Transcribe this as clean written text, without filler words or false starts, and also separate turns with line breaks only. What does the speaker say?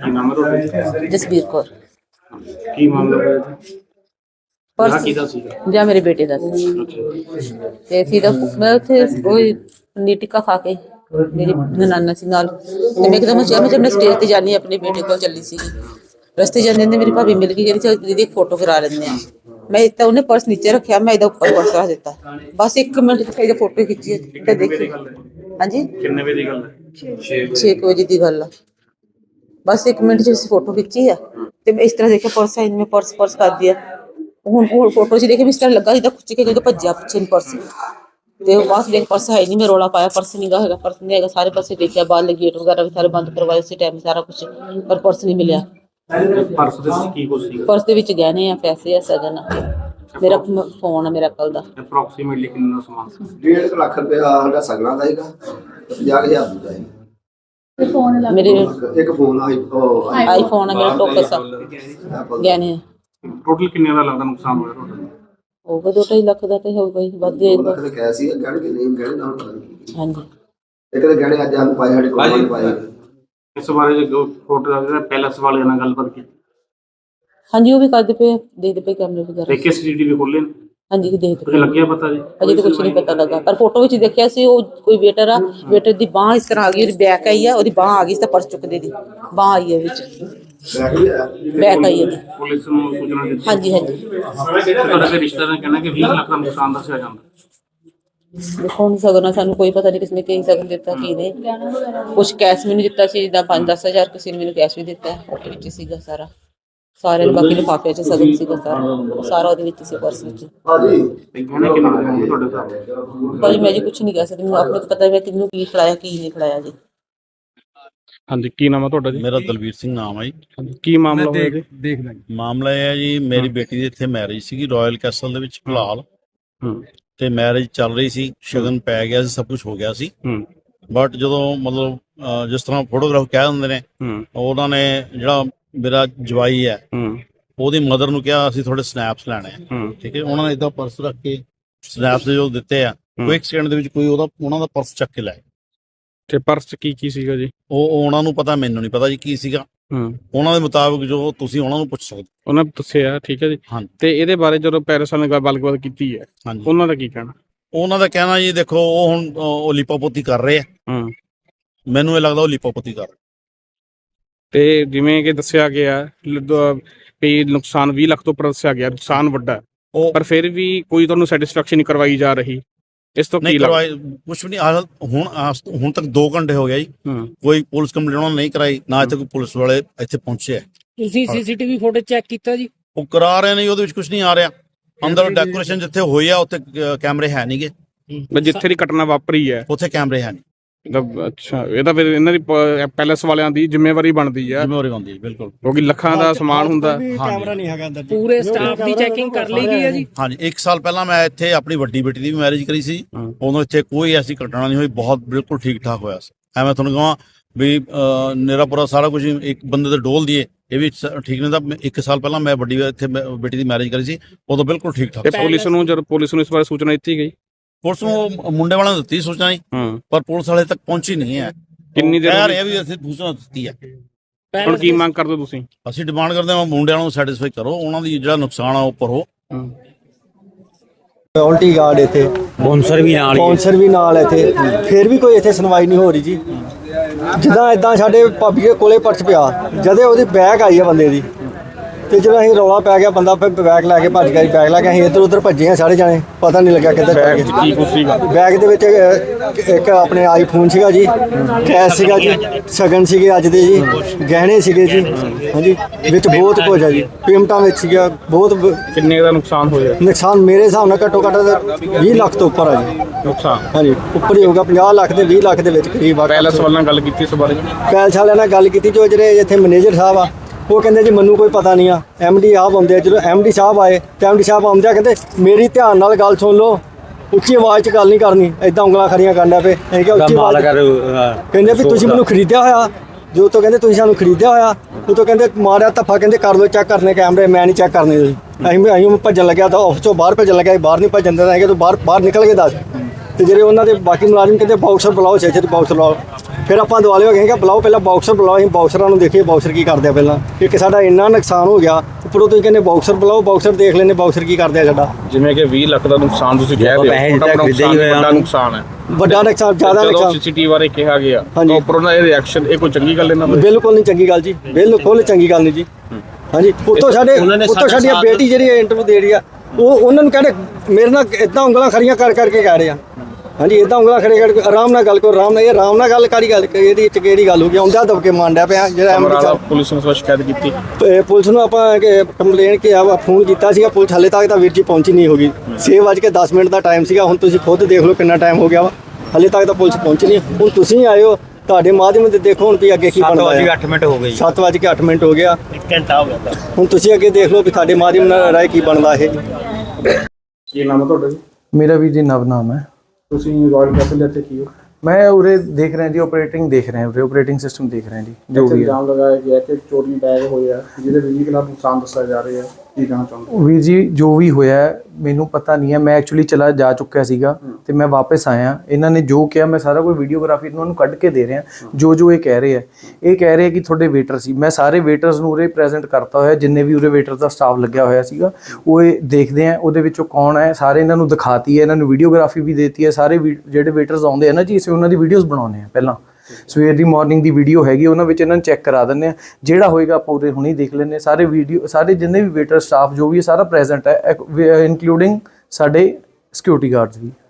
ਕੀ ਨਾਮ ਹੈ ਤੁਹਾਡਾ?
ਜਸਬੀਰ ਕੌਰ।
ਕੀ ਮਾਮਲਾ ਹੋਇਆ ਜੀ?
ਪਰਸ
ਕਿਹਦਾ ਸੀਗਾ?
ਜਾਂ ਮੇਰੇ ਬੇਟੇ ਦਾ ਸੀ।
ਅੱਛਾ।
ਤੇ ਅਸੀਂ ਤਾਂ ਮੈਂ ਉੱਥੇ ਉਹ ਪਨੀਰ ਟਿੱਕਾ ਖਾ ਕੇ ਮੇਰੀ ਨਨਾਨਾ ਸੀ ਨਾਲ, ਤੇ ਮੈਂ ਇੱਕਦਮ ਚਾਹ ਮੈਂ ਸਟੇਜ ਤੇ ਜਾਣੀ ਆਪਣੇ ਬੇਟੇ ਕੋਲ ਚੱਲੀ ਸੀਗੀ। ਰਸਤੇ ਜਾਂਦੇ ਜਾਂਦੇ ਮੇਰੀ ਭਾਬੀ ਮਿਲ ਗਈ, ਕਹਿੰਦੀ ਚਲ ਦੀਦੀ ਇੱਕ ਫੋਟੋ ਕਰਾ ਲੈਂਦੇ ਆ। ਮੈਂ ਤਾਂ ਉਹਨੇ ਪਰਸ ਨੀਚੇ ਰੱਖਿਆ, ਮੈਂ ਇਹਦਾ ਉੱਪਰ ਪਰਸ ਰੱਖ ਦਿੱਤਾ। ਬਸ 1 ਮਿੰਟ ਚ ਇਹਦੀ ਫੋਟੋ ਖਿੱਚੀ ਤੇ ਦੇਖੀ। ਹਾਂਜੀ,
ਕਿੰਨੇ ਵਜੇ ਦੀ ਗੱਲ ਹੈ?
6 ਵਜੇ ਦੀ ਗੱਲ ਆ। ਬਸ 1 ਮਿੰਟ ਚ ਅਸੀਂ ਫੋਟੋ ਖਿੱਚੀ ਆ ਤੇ ਮੈਂ ਇਸ ਤਰ੍ਹਾਂ ਦੇਖਿਆ ਪਰਸ ਹੈ, ਮੈਂ ਪਰਸ ਕਰ ਦਿਆ। ਹੁਣ ਫੋਟੋ 'ਚ ਦੇਖੇ ਵੀ ਇਸ ਤਰ੍ਹਾਂ ਲੱਗਾ ਜਿੱਦਾਂ ਖੁੱਚ ਕੇ ਜਦੋਂ ਭੱਜਿਆ ਪਿੱਛੇ ਨੂੰ ਪਰਸ, ਤੇ ਉਹ ਬਾਅਦ ਦੇਖ ਪਰਸ ਹੈ ਨਹੀਂ। ਮੈਂ ਰੌਲਾ ਪਾਇਆ ਪਰਸ ਨਹੀਂ ਗਾ ਹੈਗਾ, ਪਰਸ ਨਹੀਂ ਹੈਗਾ। ਸਾਰੇ ਪਾਸੇ ਦੇਖਿਆ, ਬਾਹਰ ਗੇਟ ਵਗੈਰਾ ਵੀ ਸਾਰੇ ਬੰਦ ਕਰਵਾਏ ਉਸੇ ਟਾਈਮ ਸਾਰਾ ਕੁਛ, ਪਰ ਪਰਸ ਨਹੀਂ ਮਿਲਿਆ।
ਪਰਸ ਦੇ ਵਿੱਚ ਕੀ ਕੁਝ ਸੀਗਾ?
ਪਰਸ ਦੇ ਵਿੱਚ ਗਹਿਣੇ ਆ, ਪੈਸੇ ਆ, ਸਗਨ ਆ, ਮੇਰਾ ਫੋਨ ਆ ਮੇਰਾ ਕੱਲ ਦਾ।
ਅਪਰੋਕਸੀਮੇਟਲੀ ਕਿੰਨਾ ਸਮਾਨ ਸੀ?
1.5 ਲੱਖ ਰੁਪਇਆ ਸਾਡਾ ਸਗਣਾ ਦਾ ਹੈਗਾ, 50,000 ਦਾ ਹੈਗਾ।
ਮੇਰੇ
ਇੱਕ ਫੋਨ
ਆਈਫੋਨ ਆ, ਮੇਰਾ ਟੋਕਸ ਆ, ਗਹਿਣੇ ਆ।
ਟੋਟਲ ਕਿੰਨੇ ਦਾ ਲੱਗਦਾ ਨੁਕਸਾਨ ਹੋਇਆ ਤੁਹਾਡਾ?
ਹੋਊਗਾ 2-2.5 ਲੱਖ ਦਾ ਤੇ ਹੋਊਗਾ ਹੀ, ਵੱਧ ਜਾਏਗਾ।
ਕਹਿ ਸੀ ਗਹਿਣੇ ਕਿ ਨਹੀਂ ਗਹਿਣੇ ਨਾਲ ਪਤਾ ਨਹੀਂ।
ਹਾਂਜੀ,
ਇੱਕ ਤਾਂ ਗਹਿਣੇ ਅੱਜ ਸਾਨੂੰ ਪਾਏ, ਸਾਡੇ ਕੋਲ ਨਹੀਂ ਪਾਏ।
ਇਸ ਬਾਰੇ ਜੋ ਫੋਟੋ ਦਾ ਪੈਲਸ ਵਾਲਿਆਂ ਨਾਲ ਗੱਲਬਾਤ ਕੀਤੀ?
ਹਾਂਜੀ, ਉਹ ਵੀ ਕਰਦੇ ਪਏ, ਦੇਖਦੇ ਪਏ ਕੈਮਰੇ ਵਗੈਰਾ।
ਦੇਖੇ ਸੀਸੀਟੀਵੀ ਖੋਲੇ ਨੇ?
ਹਾਂਜੀ, ਦੇਖਦੇ
ਕੁਝ
ਪਏ।
ਲੱਗਿਆ ਪਤਾ ਜੀ?
ਅਜੇ ਤਾਂ ਕੁਛ ਨਹੀਂ ਪਤਾ ਲੱਗਾ, ਪਰ ਫੋਟੋ ਵਿੱਚ ਦੇਖਿਆ ਸੀ ਉਹ ਕੋਈ ਵੇਟਰ ਆ, ਵੇਟਰ ਦੀ ਬਾਂਹ ਇਸ ਤਰ੍ਹਾਂ ਆ ਗਈ, ਉਹਦੀ ਬੈਕ ਆਈ ਆ, ਉਹਦੀ ਬਾਂਹ ਆ ਗਈ, ਤਾਂ ਪਰਸ ਚੁੱਕਦੇ ਦੀ ਬਾਂਹ ਆਈ ਹੈ ਵਿੱਚ, ਬੈਕ ਆਈ ਹੈ।
ਪੁਲਿਸ ਨੂੰ ਸੂਚਨਾ ਦਿੱਤੀ?
ਹਾਂਜੀ ਹਾਂਜੀ।
ਤੁਹਾਡੇ ਰਿਸ਼ਤੇਦਾਰਾਂ ਨੇ ਕਹਿਣਾ ਕਿ 20 ਲੱਖ ਦਾ ਨੁਕਸਾਨ ਦੱਸਿਆ ਜਾਂਦਾ।
ਦੇਖੋ ਹੁਣ ਸਗਨ ਸਾਨੂੰ ਕੋਈ ਪਤਾ ਨਹੀਂ ਕਿਸਨੇ ਕੀ ਸਗਨ ਦਿੱਤਾ ਕੀ ਨਹੀਂ। ਕੁਛ ਕੈਸ਼ ਮੈਨੂੰ ਦਿੱਤਾ ਸੀ, ਜਿੱਦਾਂ 5-10 ਹਜ਼ਾਰ, ਕਿਸੇ ਨੇ ਮੈਨੂੰ ਕੈਸ਼ ਵੀ ਦਿੱਤਾ, ਉਹਦੇ ਵਿੱਚ ਸੀਗਾ ਸਾਰਾ, ਸਾਰਿਆਂ ਨੂੰ। ਬਾਕੀ ਲਿਫਾਫੇ 'ਚ ਸਗਨ ਸੀਗਾ ਸਾਰਾ ਉਹਦੇ ਵਿੱਚ ਸੀ, ਪਰਸ ਵਿੱਚ।
ਹਾਂਜੀ,
ਗਹਿਣੇ ਕਿੰਨੇ ਦੇ ਹੋਣਗੇ ਤੁਹਾਡੇ ਹਿਸਾਬ?
ਭਾਜੀ ਮੈਂ ਜੀ ਕੁਛ ਨਹੀਂ ਕਹਿ ਸਕਦੀ, ਮੈਨੂੰ ਆਪਣੇ ਪਤਾ ਹੈ ਕਿਹਨੂੰ ਕੀ ਖਿਲਾਇਆ ਕੀ ਨਹੀਂ ਖਿਲਾਇਆ ਜੀ।
ਹਾਂਜੀ, ਕੀ ਨਾਮ ਹੈ ਤੁਹਾਡਾ ਜੀ?
ਮੇਰਾ ਦਲਵੀਰ ਸਿੰਘ ਨਾਮ ਹੈ ਜੀ।
ਕੀ ਮਾਮਲਾ ਹੋਇਆ ਜੀ?
ਮਾਮਲਾ ਇਹ ਹੈ ਜੀ, ਮੇਰੀ ਬੇਟੀ ਦੀ ਇੱਥੇ ਮੈਰਿਜ ਸੀਗੀ ਰਾਇਲ ਕੈਸਲ ਦੇ ਵਿੱਚ ਫਿਲਹਾਲ, ਤੇ ਮੈਰਿਜ ਚੱਲ ਰਹੀ ਸੀ, ਸ਼ਗਨ ਪੈ ਗਿਆ ਸੀ, ਸਭ ਕੁਝ ਹੋ ਗਿਆ ਸੀ। ਬਟ ਜਦੋਂ ਮਤਲਬ ਜਿਸ ਤਰ੍ਹਾਂ ਫੋਟੋਗ੍ਰਾਫ ਕਹਿ ਦਿੰਦੇ ਨੇ, ਉਹਨਾਂ ਨੇ ਜਿਹੜਾ ਮੇਰਾ ਜਵਾਈ ਹੈ ਉਹਦੀ ਮਦਰ ਨੂੰ ਕਿਹਾ ਅਸੀਂ ਥੋੜੇ ਸਨੈਪਸ ਲੈਣੇ ਆ, ਠੀਕ ਹੈ। ਉਹਨਾਂ ਨੇ ਏਦਾਂ ਪਰਸ ਰੱਖ ਕੇ ਸਨੈਪਸ ਜੋ ਦਿੱਤੇ ਆ, ਕੋਈ 1 ਸੈਕਿੰਡ ਦੇ ਵਿੱਚ ਕੋਈ ਉਹਨਾਂ ਦਾ ਪਰਸ ਚੱਕ ਕੇ ਲੈ।
ਤੇ ਪਰਸ 'ਚ ਕੀ ਸੀਗਾ ਜੀ?
ਉਹ ਉਹਨਾਂ ਨੂੰ ਪਤਾ, ਮੈਨੂੰ ਨਹੀਂ ਪਤਾ ਜੀ ਕੀ ਸੀਗਾ। ਉਹਨਾਂ ਦੇ ਮੁਤਾਬਕ ਜੋ ਤੁਸੀਂ ਉਹਨਾਂ ਨੂੰ ਪੁੱਛ ਸਕਦੇ।
ਉਹਨਾਂ ਨੇ ਦੱਸਿਆ, ਠੀਕ ਹੈ ਜੀ।
ਹਾਂਜੀ।
ਤੇ ਇਹਦੇ ਬਾਰੇ ਜਦੋਂ ਪੈਰਿਸ ਵਾਲਿਆਂ ਨੇ ਗੱਲਬਾਤ ਕੀਤੀ ਹੈ,
ਹਾਂਜੀ,
ਉਹਨਾਂ ਦਾ ਕੀ ਕਹਿਣਾ?
ਉਹਨਾਂ ਦਾ ਕਹਿਣਾ ਜੀ ਦੇਖੋ, ਉਹ ਹੁਣ ਉਹ ਲਿਪਾਪੋਤੀ ਕਰ ਰਹੇ ਆ। ਮੈਨੂੰ ਇਹ ਲੱਗਦਾ ਉਹ ਲਿਪਾਪੋਤੀ ਕਰ ਰਹੇ।
ਤੇ ਜਿਵੇਂ ਕਿ ਦੱਸਿਆ ਗਿਆ ਵੀ ਨੁਕਸਾਨ 20 ਲੱਖ ਤੋਂ ਉੱਪਰ ਦੱਸਿਆ ਗਿਆ, ਨੁਕਸਾਨ ਵੱਡਾ, ਪਰ ਫਿਰ ਵੀ ਕੋਈ ਤੁਹਾਨੂੰ ਸੈਟੀਸਫੈਕਸ਼ਨ ਨਹੀਂ ਕਰਵਾਈ ਜਾ ਰਹੀ। ਇਸ ਤੋਂ
ਨਹੀਂ ਕਰਵਾਏ ਕੁਛ ਵੀ ਨਹੀਂ। ਹੁਣ ਤੱਕ 2 ਘੰਟੇ ਹੋ ਗਿਆ ਜੀ, ਕੋਈ ਪੁਲਿਸ ਕੰਪਲੇਂਟ ਉਹਨਾਂ ਨੇ ਨਹੀਂ ਕਰਾਈ, ਨਾ ਇੱਥੇ ਕੋਈ ਪੁਲਿਸ ਵਾਲੇ ਇੱਥੇ ਪਹੁੰਚੇ ਆ।
ਤੁਸੀਂ ਸੀਸੀਟੀਵੀ ਫੁਟੇਜ ਚੈੱਕ ਕੀਤਾ ਜੀ?
ਉਹ ਕਰਾ ਰਹੇ ਨੇ, ਉਹਦੇ ਵਿੱਚ ਕੁਝ ਨਹੀਂ ਆ ਰਿਹਾ। ਅੰਦਰ ਡੈਕੋਰੇਸ਼ਨ ਜਿੱਥੇ ਹੋਈ ਆ ਉੱਥੇ ਕੈਮਰੇ ਹੈ ਨਹੀਂਗੇ।
ਜਿੱਥੇ ਦੀ ਘਟਨਾ ਵਾਪਰੀ ਹੈ
ਉੱਥੇ ਕੈਮਰੇ ਹੈ ਨਹੀਂ।
ਅੱਛਾ, ਇਹ ਤਾਂ ਫਿਰ ਇਹਨਾਂ ਦੀ ਪੈਲਸ ਵਾਲਿਆਂ ਦੀ ਜ਼ਿੰਮੇਵਾਰੀ ਬਣਦੀ ਹੈ।
ਜ਼ਿੰਮੇਵਾਰੀ ਬਣਦੀ ਹੈ ਬਿਲਕੁਲ,
ਕਿਉਂਕਿ ਲੱਖਾਂ ਦਾ ਸਮਾਨ ਹੁੰਦਾ।
ਕੈਮਰਾ ਨਹੀਂ ਹੈਗਾ ਅੰਦਰ। ਪੂਰੇ ਸਟਾਫ ਦੀ ਚੈਕਿੰਗ ਕਰ ਲਈ ਗਈ ਹੈ ਜੀ?
ਹਾਂਜੀ, 1 ਸਾਲ ਪਹਿਲਾਂ ਮੈਂ ਇੱਥੇ ਆਪਣੀ ਵੱਡੀ ਬੇਟੀ ਦੀ ਵੀ ਮੈਰਿਜ ਕਰੀ ਸੀ, ਉਦੋਂ ਇੱਥੇ ਕੋਈ ਐਸੀ ਘਟਨਾ ਨਹੀਂ ਹੋਈ, ਬਹੁਤ ਬਿਲਕੁਲ ਠੀਕ ਠਾਕ ਹੋਇਆ ਸੀ। ਐਵੇਂ ਤੁਹਾਨੂੰ ਕਹਾਂ ਵੀ ਮੇਰਾ ਪੂਰਾ ਸਾਰਾ ਕੁਝ ਇੱਕ ਬੰਦੇ ਦੇ ਡੋਲ ਦੀਏ, ਇਹ ਵੀ ਠੀਕ ਨਹੀਂ। ਤਾਂ 1 ਸਾਲ ਪਹਿਲਾਂ ਮੈਂ ਵੱਡੀ ਇੱਥੇ ਬੇਟੀ ਦੀ ਮੈਰਿਜ ਕਰੀ ਸੀ, ਉਦੋਂ ਬਿਲਕੁਲ ਠੀਕ ਠਾਕ।
ਪੁਲਿਸ ਨੂੰ ਜਦੋਂ ਪੁਲਿਸ ਨੂੰ ਇਸ ਬਾਰੇ ਸੂਚਨਾ ਦਿੱਤੀ ਗਈ?
ਪੁਲਿਸ ਨੂੰ ਮੁੰਡੇ ਵਾਲਿਆਂ ਨੂੰ ਦਿੱਤੀ ਸੂਚਨਾ ਜੀ, ਪਰ ਪੁਲਿਸ ਵਾਲੇ ਤੱਕ ਪਹੁੰਚੀ ਨਹੀਂ ਹੈ।
ਕਿੰਨੀ ਦੇਰ
ਇਹ ਵੀ ਅਸੀਂ ਸੂਚਨਾ ਦਿੱਤੀ ਹੈ।
ਹੁਣ ਕੀ ਮੰਗ ਕਰਦੇ ਤੁਸੀਂ?
ਅਸੀਂ ਡਿਮਾਂਡ ਕਰਦੇ ਹਾਂ ਮੁੰਡਿਆਂ ਨੂੰ ਸੈਟੀਸਫਾਈ ਕਰੋ, ਉਹਨਾਂ ਦੀ ਜਿਹੜਾ ਨੁਕਸਾਨ ਆ ਉਹ ਭਰੋ।
ਸਿਕਿਉਰਿਟੀ ਗਾਰਡ ਇੱਥੇ
ਬੌਂਸਰ ਵੀ ਨਾਲ
ਇੱਥੇ, ਫਿਰ ਵੀ ਕੋਈ ਇੱਥੇ ਸੁਣਵਾਈ ਨਹੀਂ ਹੋ ਰਹੀ ਜੀ। ਜਿੱਦਾਂ ਇਦਾਂ ਸਾਡੇ ਭਾਬੀ ਦੇ ਕੋਲੇ ਪਰਸ ਪਿਆ, ਜਦੇ ਉਹਦੀ ਬੈਗ ਆਈ ਆ ਬੰਦੇ ਦੀ, ਤੇ ਜਦੋਂ ਅਸੀਂ ਰੌਲਾ ਪੈ ਗਿਆ, ਬੰਦਾ ਫਿਰ ਬੈਗ ਲੈ ਕੇ ਭੱਜ ਗਿਆ। ਬੈਗ ਲੈ ਕੇ ਅਸੀਂ ਇੱਧਰ ਉੱਧਰ ਭੱਜੇ ਆ ਸਾਰੇ ਜਾਣੇ, ਪਤਾ ਨਹੀਂ ਲੱਗਿਆ ਕਿੱਧਰ
ਬੈਗ 'ਚ ਕੀ ਕੁਛ ਸੀਗਾ?
ਬੈਗ ਦੇ ਵਿੱਚ ਇੱਕ ਆਪਣੇ ਆਈਫੋਨ ਸੀਗਾ ਜੀ, ਕੈਸ਼ ਸੀਗਾ ਜੀ, ਸਗਨ ਸੀਗੇ ਅੱਜ ਦੇ ਜੀ, ਗਹਿਣੇ ਸੀਗੇ ਜੀ। ਹਾਂਜੀ, ਵਿੱਚ ਬਹੁਤ ਕੁਝ ਆ ਜੀ, ਪੇਮੈਂਟਾਂ ਵਿੱਚ ਸੀਗਾ ਬਹੁਤ।
ਕਿੰਨੇ ਦਾ ਨੁਕਸਾਨ ਹੋਇਆ?
ਨੁਕਸਾਨ ਮੇਰੇ ਹਿਸਾਬ ਨਾਲ ਘੱਟੋ ਘੱਟ 20 ਲੱਖ ਤੋਂ ਉੱਪਰ ਆ ਜੀ
ਨੁਕਸਾਨ।
ਹਾਂਜੀ, ਉੱਪਰ ਹੀ ਹੋਊਗਾ, 50 ਲੱਖ ਤੇ 20 ਲੱਖ ਦੇ ਵਿੱਚ ਕਰੀਬ ਆ।
ਪੈਲਸ ਵਾਲਿਆਂ ਨਾਲ ਗੱਲ ਕੀਤੀ ਇਸ ਬਾਰੇ?
ਪੈਲਸ ਵਾਲਿਆਂ ਨਾਲ ਗੱਲ ਕੀਤੀ, ਜੋ ਜਿਹੜੇ ਇੱਥੇ ਮੈਨੇਜਰ ਸਾਹਿਬ ਆ, ਉਹ ਕਹਿੰਦੇ ਜੀ ਮੈਨੂੰ ਕੋਈ ਪਤਾ ਨਹੀਂ ਆ। MD ਸਾਹਿਬ ਆਉਂਦੇ ਆ, ਜਦੋਂ MD ਸਾਹਿਬ ਆਏ ਤੇ MD ਸਾਹਿਬ ਆਉਂਦੇ ਆ, ਕਹਿੰਦੇ ਮੇਰੀ ਧਿਆਨ ਨਾਲ ਗੱਲ ਸੁਣ ਲਓ, ਉੱਚੀ ਆਵਾਜ਼ 'ਚ ਗੱਲ ਨਹੀਂ ਕਰਨੀ। ਏਦਾਂ ਉਂਗਲਾਂ ਖੜੀਆਂ ਕਰਨ ਲੱਗ ਪਏ। ਅਸੀਂ ਕਿਹਾ ਉੱਚੀ ਆਵਾਜ਼ ਕਹਿੰਦੇ ਵੀ ਤੁਸੀਂ ਮੈਨੂੰ ਖਰੀਦਿਆ ਹੋਇਆ, ਜੋ ਤੋਂ ਕਹਿੰਦੇ ਤੁਸੀਂ ਸਾਨੂੰ ਖਰੀਦਿਆ ਹੋਇਆ, ਉਹ ਤੋਂ ਕਹਿੰਦੇ ਮਾਰਿਆ ਧੱਫਾ, ਕਹਿੰਦੇ ਕਰ ਲਓ ਚੈੱਕ ਕਰਨੇ ਕੈਮਰੇ, ਮੈਂ ਨਹੀਂ ਚੈੱਕ ਕਰਨੇ। ਅਸੀਂ ਭੱਜਣ ਲੱਗਿਆ ਤਾਂ ਆਫਿਸ ਤੋਂ ਬਾਹਰ ਭੱਜਣ ਲੱਗਿਆ, ਬਾਹਰ ਨਹੀਂ ਭੱਜਣ ਦਿੰਦਾ, ਤੂੰ ਬਾਹਰ ਨਿਕਲ ਕੇ ਦੱਸ। ਤੇ ਜਿਹੜੇ ਉਹਨਾਂ ਦੇ ਬਾਕੀ ਮੁਲਾਜ਼ਮ ਕਹਿੰਦੇ ਬਾਕਸਰ ਬੁਲਾਓ, ਛੇ ਬਾਕਸਰ ਬੁਲਾਓ। ਫਿਰ ਆਪਾਂ ਦੁਆਲੇ ਹੋ ਗਏ ਕਿ ਬੁਲਾਓ ਪਹਿਲਾਂ ਬਾਕਸਰ ਬੁਲਾਓ, ਅਸੀਂ ਬਾਕਸਰਾਂ ਨੂੰ ਦੇਖੀਏ ਬਾਕਸਰ ਕੀ ਕਰਦੇ ਆ ਪਹਿਲਾਂ। ਇੱਕ ਸਾਡਾ ਇੰਨਾ ਨੁਕਸਾਨ ਹੋ ਗਿਆ, ਉੱਪਰੋਂ ਤੁਸੀਂ ਕਹਿੰਦੇ ਬਾਕਸਰ ਬੁਲਾਓ, ਬਾਕਸਰ ਦੇਖ ਲੈਂਦੇ ਬਾਕਸਰ ਕੀ ਕਰਦੇ ਆ ਸਾਡਾ।
ਜਿਵੇਂ ਕਿ 20 ਲੱਖ ਦਾ ਨੁਕਸਾਨ ਤੁਸੀਂ ਕਹਿ ਰਹੇ ਹੋ, ਵੱਡਾ ਨੁਕਸਾਨ ਹੈ,
ਵੱਡਾ ਨੁਕਸਾਨ, ਜ਼ਿਆਦਾ ਨੁਕਸਾਨ।
ਸੀਸੀਟੀਵੀ ਬਾਰੇ ਕਿਹਾ ਗਿਆ
ਹਾਂਜੀ।
ਉੱਪਰੋਂ ਦਾ ਇਹ ਰਿਐਕਸ਼ਨ, ਇਹ ਕੋਈ ਚੰਗੀ ਗੱਲ ਇਹਨਾਂ ਦੀ?
ਬਿਲਕੁਲ ਨਹੀਂ ਚੰਗੀ ਗੱਲ ਜੀ, ਬਿਲਕੁਲ ਚੰਗੀ ਗੱਲ ਨਹੀਂ ਜੀ। ਹਾਂਜੀ, ਉੱਤੋਂ ਸਾਡੀ ਬੇਟੀ ਜਿਹੜੀ ਇੰਟਰਵਿਊ ਦੇ ਰਹੀ ਆ, ਉਹ ਉਹਨਾਂ ਨੂੰ ਕਹਿੰਦੇ ਮੇਰੇ ਨਾਲ ਇਦਾਂ ਉਂਗਲਾਂ ਖੜੀਆਂ ਕਰ ਕਰਕੇ ਕਹਿ ਰਹੇ ਆ। ਹਾਂਜੀ, ਇਦਾਂ ਉਂਗਲਾਂ ਖੜੇ ਕਰਕੇ ਆਰਾਮ ਨਾਲ ਗੱਲ ਕਰੋ, ਆਰਾਮ ਨਾਲ। ਇਹ ਆਰਾਮ ਨਾਲ ਗੱਲ ਕਰੀ, ਗੱਲ ਇਹਦੀ ਚ ਕਿਹੜੀ ਗੱਲ ਹੋ ਗਈ? ਆਉਂਦਾ ਦਬਕੇ ਮਾਂਡਿਆ ਪਿਆ ਜਿਹੜਾ
ਸਮਰਾਲਾ ਪੁਲਿਸ ਨੂੰ ਸ਼ਿਕਾਇਤ ਕੀਤੀ?
ਪੁਲਿਸ ਨੂੰ ਆਪਾਂ ਕੰਪਲੇਨ ਕਿਹਾ, ਫੋਨ ਕੀਤਾ ਸੀਗਾ, ਪੁਲਿਸ ਹਾਲੇ ਤੱਕ ਤਾਂ ਵੀਰ ਜੀ ਪਹੁੰਚੀ ਨਹੀਂ ਹੋਗੀ। 6:10 ਦਾ ਟਾਈਮ ਸੀਗਾ, ਹੁਣ ਤੁਸੀਂ ਖੁਦ ਦੇਖ ਲਓ ਕਿੰਨਾ ਟਾਈਮ ਹੋ ਗਿਆ ਵਾ, ਹਾਲੇ ਤੱਕ ਤਾਂ ਪੁਲਿਸ ਪਹੁੰਚੀ ਨਹੀਂ। ਹੁਣ ਤੁਸੀਂ ਆਏ ਹੋ, ਤੁਹਾਡੇ ਮਾਧਿਅਮ ਤੇ ਦੇਖੋ ਹੁਣ ਵੀ ਅੱਗੇ ਕੀ ਬਣਦਾ ਹੈ।
7:08 ਮਿੰਟ ਹੋ ਗਏ,
7:08 ਮਿੰਟ ਹੋ ਗਿਆ,
1 ਘੰਟਾ ਹੋ ਗਿਆ।
ਹੁਣ ਤੁਸੀਂ ਅੱਗੇ ਦੇਖ ਲਓ ਵੀ ਤੁਹਾਡੇ ਮਾਧਿਅਮ ਨਾਲ ਰਾਏ ਕੀ ਬਣਦਾ ਇਹ।
ਕੀ ਨਾਮ ਹੈ ਤੁਹਾਡਾ ਜੀ?
ਮੇਰਾ ਵੀ ਜੀ ਨਵ ਨਾਮ ਹੈ।
ਤੁਸੀਂ ਰਾਇਲ ਕੈਸਲ ਦੇ ਇੱਥੇ ਕੀ ਹੋ?
ਮੈਂ ਉਰੇ ਦੇਖ ਰਿਹਾ ਜੀ, ਆਪਰੇਟਿੰਗ ਦੇਖ ਰਹੇ ਹਾਂ, ਉਰੇ ਆਪਰੇਟਿੰਗ ਸਿਸਟਮ ਦੇਖ ਰਹੇ ਹਾਂ ਜੀ, ਜੋ ਵੀ ਹੈ।
ਇਲਜ਼ਾਮ ਲਗਾਇਆ ਗਿਆ ਕਿ ਚੋਰੀ ਬੈਗ ਹੋਇਆ, ਜਿਹਦੇ ਬਿਜਲੀ ਖਿਲਾਫ ਨੁਕਸਾਨ ਦੱਸਿਆ ਜਾ ਰਿਹਾ ਹੈ, ਕੀ ਕਹਿਣਾ ਚਾਹੁੰਦੇ ਹੋ?
ਵੀਰ ਜੀ ਜੋ ਵੀ ਹੋਇਆ ਹੈ, ਮੈਨੂੰ ਪਤਾ ਨਹੀਂ ਹੈ। ਮੈਂ ਐਕਚੁਅਲੀ ਚਲਾ ਜਾ ਚੁੱਕਿਆ ਸੀਗਾ ਤੇ ਮੈਂ ਵਾਪਸ ਆਇਆ। ਇਹਨਾਂ ਨੇ ਜੋ ਕਿਹਾ ਮੈਂ ਸਾਰਾ ਕੋਈ ਵੀਡੀਓਗ੍ਰਾਫੀ ਇਹਨਾਂ ਨੂੰ ਕੱਢ ਕੇ ਦੇ ਰਿਹਾ। ਜੋ ਇਹ ਕਹਿ ਰਹੇ ਆ, ਇਹ ਕਹਿ ਰਹੇ ਕਿ ਤੁਹਾਡੇ ਵੇਟਰ ਸੀ। ਮੈਂ ਸਾਰੇ ਵੇਟਰਸ ਨੂੰ ਉਰੇ ਪ੍ਰੈਜ਼ੈਂਟ ਕਰਤਾ ਹੋਇਆ, ਜਿੰਨੇ ਵੀ ਉਰੇ ਵੇਟਰ ਦਾ ਸਟਾਫ ਲੱਗਿਆ ਹੋਇਆ ਸੀਗਾ। ਉਹ ਇਹ ਦੇਖਦੇ ਆ ਉਹਦੇ ਵਿੱਚੋਂ ਕੌਣ ਹੈ, ਸਾਰੇ ਇਹਨਾਂ ਨੂੰ ਦਿਖਾਤੀ ਹੈ, ਇਹਨਾਂ ਨੂੰ ਵੀਡੀਓਗ੍ਰਾਫੀ ਵੀ ਦੇਤੀ ਹੈ। ਸਾਰੇ ਜਿਹੜੇ ਵੇਟਰਸ ਆਉਂਦੇ ਆ ਨਾ ਜੀ, ਅਸੀਂ ਉਹਨਾਂ ਦੀ ਵੀਡੀਓਜ਼ ਬਣਾਉਂਦੇ ਆ। ਪਹਿਲਾਂ ਸਵੇਰ ਦੀ ਮਾਰਨਿੰਗ ਦੀ ਵੀਡੀਓ ਹੈਗੀ, ਉਹਨਾਂ ਵਿੱਚ ਇਹਨਾਂ ਨੂੰ ਚੈੱਕ ਕਰਾ ਦਿੰਦੇ ਆ। ਜਿਹੜਾ ਹੋਏਗਾ ਆਪਾਂ ਉਰੇ ਹੁਣੇ ਦੇਖ ਲੈਂਦੇ। ਸਾਰੇ ਵੀਡੀਓ, ਸਾਰੇ ਜਿੰਨੇ ਵੀ ਵੇਟਰ ਸਟਾਫ ਜੋ ਵੀ ਹੈ ਸਾਰਾ ਪ੍ਰੈਜ਼ੈਂਟ ਹੈ, ਇਨਕਲੂਡਿੰਗ ਸਾਡੇ ਸਿਕਿਉਰਿਟੀ ਗਾਰਡਸ ਵੀ।